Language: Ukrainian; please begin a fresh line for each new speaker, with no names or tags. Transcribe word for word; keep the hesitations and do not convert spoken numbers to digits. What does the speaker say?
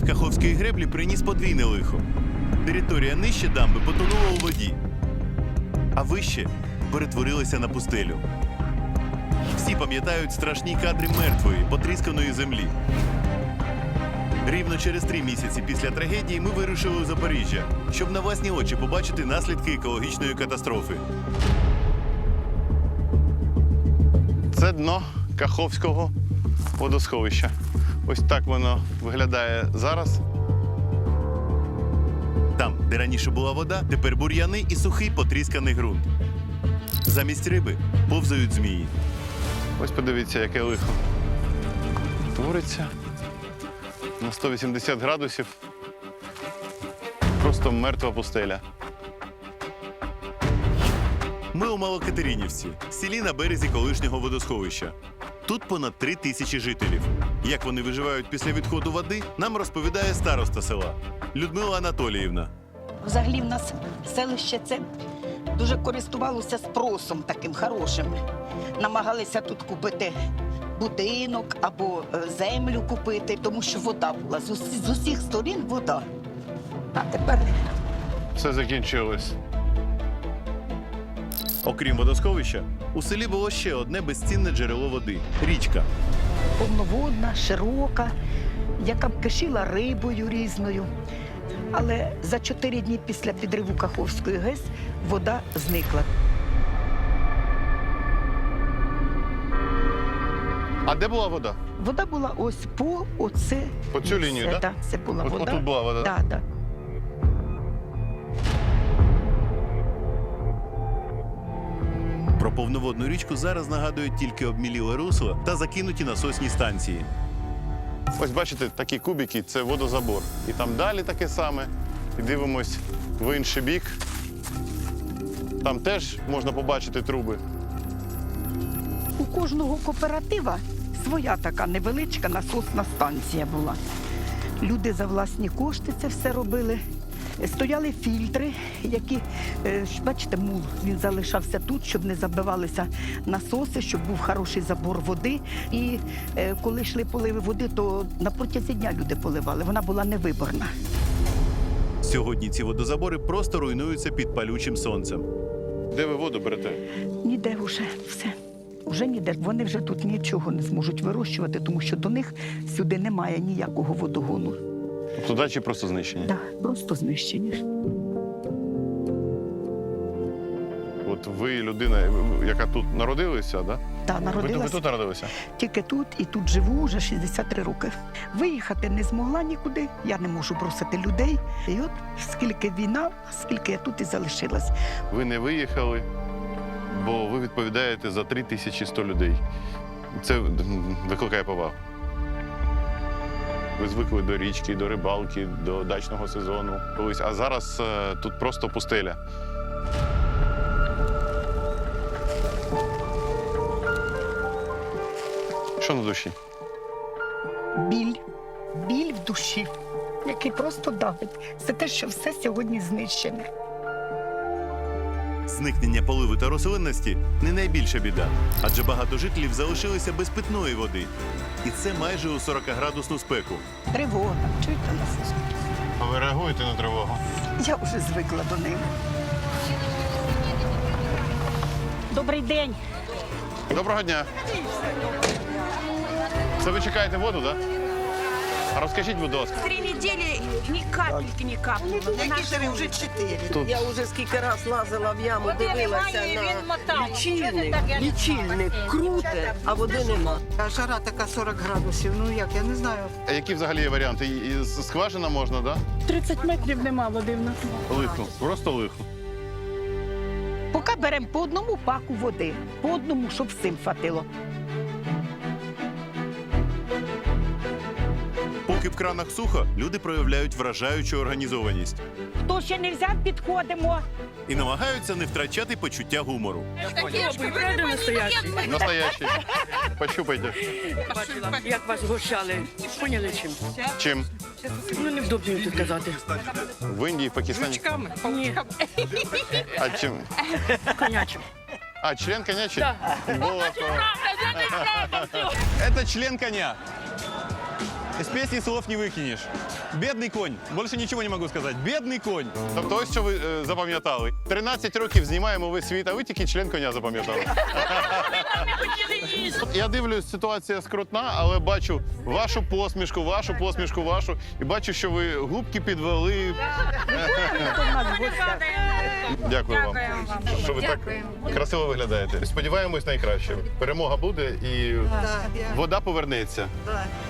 Каховської греблі приніс подвійне лихо. Територія нижче дамби потонула у воді, а вище перетворилася на пустелю. Всі пам'ятають страшні кадри мертвої, потрісканої землі. Рівно через три місяці після трагедії ми вирушили у Запоріжжя, щоб на власні очі побачити наслідки екологічної катастрофи.
Це дно Каховського водосховища. Ось так воно виглядає зараз.
Там, де раніше була вода, тепер бур'яни і сухий потрісканий ґрунт. Замість риби повзають змії.
Ось подивіться, яке лихо твориться на сто вісімдесят градусів. Просто мертва пустеля.
Ми у Малокатеринівці, селі на березі колишнього водосховища. Тут понад три тисячі жителів. Як вони виживають після відходу води, нам розповідає староста села Людмила Анатоліївна.
Взагалі в нас селище це дуже користувалося спросом таким хорошим. Намагалися тут купити будинок або е, землю купити, тому що вода була. З, усі, з усіх сторін вода. А тепер
Все закінчилось.
Окрім водосховища, у селі було ще одне безцінне джерело води – річка.
повноводна, широка, яка б кишіла рибою різною. Але за чотири дні після підриву Каховської ГЕС вода зникла.
А де була вода?
Вода була ось по оце.
По цю лінію,
це,
так?
да? Це була
От,
вода.
отут була вода?
Так, так.
Про повноводну річку зараз нагадують тільки обміліле русло та закинуті насосні станції.
Ось бачите, такі кубики – це водозабор. І там далі таке саме. І дивимось в інший бік. Там теж можна побачити труби.
У кожного кооператива своя така невеличка насосна станція була. Люди за власні кошти це все робили. Стояли фільтри, які, е, бачите, мул, він залишався тут, щоб не забивалися насоси, щоб був хороший забор води. І е, коли йшли поливи води, то на протязі дня люди поливали. Вона була невиборна.
Сьогодні ці водозабори просто руйнуються під палючим сонцем.
Де ви воду берете?
Ніде вже все. Вже ніде. Вони вже тут нічого не зможуть вирощувати, тому що до них сюди немає ніякого водогону.
Тобто дачі просто знищені?
Так, просто знищені.
От ви людина, яка тут народилася, да?
Та,
Ви,
народилась
ви тут народилися?
тільки тут і тут живу вже шістдесят три роки. Виїхати не змогла нікуди, я не можу бросити людей. І от скільки війна, скільки я тут і залишилась.
Ви не виїхали, бо ви відповідаєте за три тисячі сто людей. Це викликає повагу. Ви звикли до річки, до рибалки, до дачного сезону колись. А зараз е, тут просто пустеля. Що на душі?
Біль, біль в душі, який просто давить. Це те, що все сьогодні знищене.
Зникнення поливу та рослинності – не найбільша біда, адже багато жителів залишилися без питної води. І це майже у сорокаградусну спеку.
Тривога, чуєте нас?
А ви реагуєте на тривогу?
Я вже звикла до неї.
Добрий день.
Доброго дня. Це ви чекаєте воду, так? Да? А розкажіть, будь ласка.
Три неділі ні капельки не капнуло.
Які ж ви вже чотири?
Тут
Я вже скільки раз лазила в яму, дивилася на лічильник. Лічильник круте, а води нема. А жара така сорок градусів, ну як, я не знаю.
А які взагалі є варіанти? І, і скважина можна, так?
тридцять метрів нема води в нас.
Да? Лихо, просто лихо.
Поки беремо по одному паку води, по одному, щоб всім хватило.
Поки в кранах сухо, люди проявляють вражаючу організованість
Хто ще не взяв, підходимо.
і намагаються не втрачати почуття гумору.
Настоящий. Пощупайте.
Бачила, як вас гощали. Поняли чим?
Чим?
Ну, невдобно тут казати.
В Індії, в Пакистані.
Ручками? Ні,
А чим?
конячим.
А, член конячий?
Да.
Было. Это член коня.
Из песни слов не выкинешь. Бедный конь. Больше ничего не могу сказать. Бедный конь.
Тобто ось що ви е, запам'ятали. тринадцять років знімаємо весь світ, а ви тільки член коня запам'ятали. Я дивлюсь, ситуація скрутна, але бачу вашу посмішку, вашу посмішку, вашу. І бачу, що ви губки підвели. Дякую вам, що ви так красиво виглядаєте. Сподіваємось найкраще. Перемога буде і вода повернеться.